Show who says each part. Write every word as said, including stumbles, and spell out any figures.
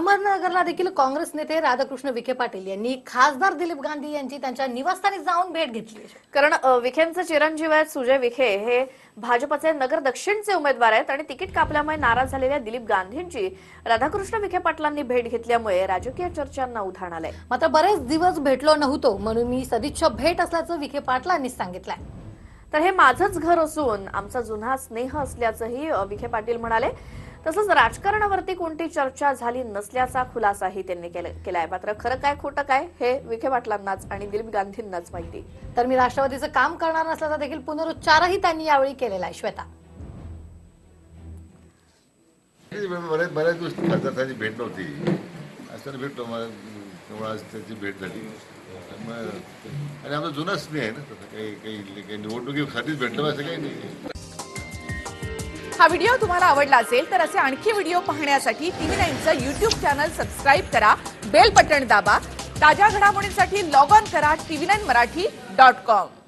Speaker 1: अहमदनगरला देखील काँग्रेस नेते राधाकृष्ण विखे पाटील यांनी खासदार दिलीप गांधी यांची त्यांच्या निवासस्थानी जाऊन भेट घेतली।
Speaker 2: कारण विखेंचे चिरंजीव आहेत सुजय विखे हे भाजपचे नगर दक्षिणचे उमेदवार आहेत आणि तिकीट कापल्यामुळे नाराज झालेल्या दिलीप गांधींची राधाकृष्ण विखे पाटलांनी भेट घेतल्यामुळे राजकीय चर्चांना उधाण आलंय।
Speaker 1: मात्र बरेच दिवस भेटलो नव्हतो म्हणून मी सदिच्छा भेट असल्याचं विखे पाटलांनी सांगितलंय।
Speaker 2: तर हे माझंच घर असून आमचा जुना स्नेह असल्याचंही विखे पाटील म्हणाले। तसंच राजकारणावरती कोणती चर्चा झाली नसल्याचा खुलासाही त्यांनी केलाय। मात्र खरं काय खोटं काय हे विखे पाटलांनाच आणि दिलीप गांधींनाच माहिती।
Speaker 1: तर मी राष्ट्रवादीचं काम करणार नसल्याचा देखील पुनरुच्चारही त्यांनी यावेळी केलेला आहे। श्वेता,
Speaker 3: बऱ्याच बऱ्याच दिवस खासदारांची भेट नव्हती, असताना भेटलो आज त्याची भेट झाली आणि आमचा जुना स्नेह आहे ना, काही काही निवडणुकीसाठीच भेटलं असं काही नाही।
Speaker 4: हा व्हिडिओ तुम्हाला आवडला असेल तर असे आणखी व्हिडिओ पाहण्यासाठी टीव्ही नाईनचं यूट्यूब चॅनल सबस्क्राईब करा, बेल बटण दाबा। ताज्या घडामोडींसाठी लॉग ऑन करा TV nine Marathi dot com.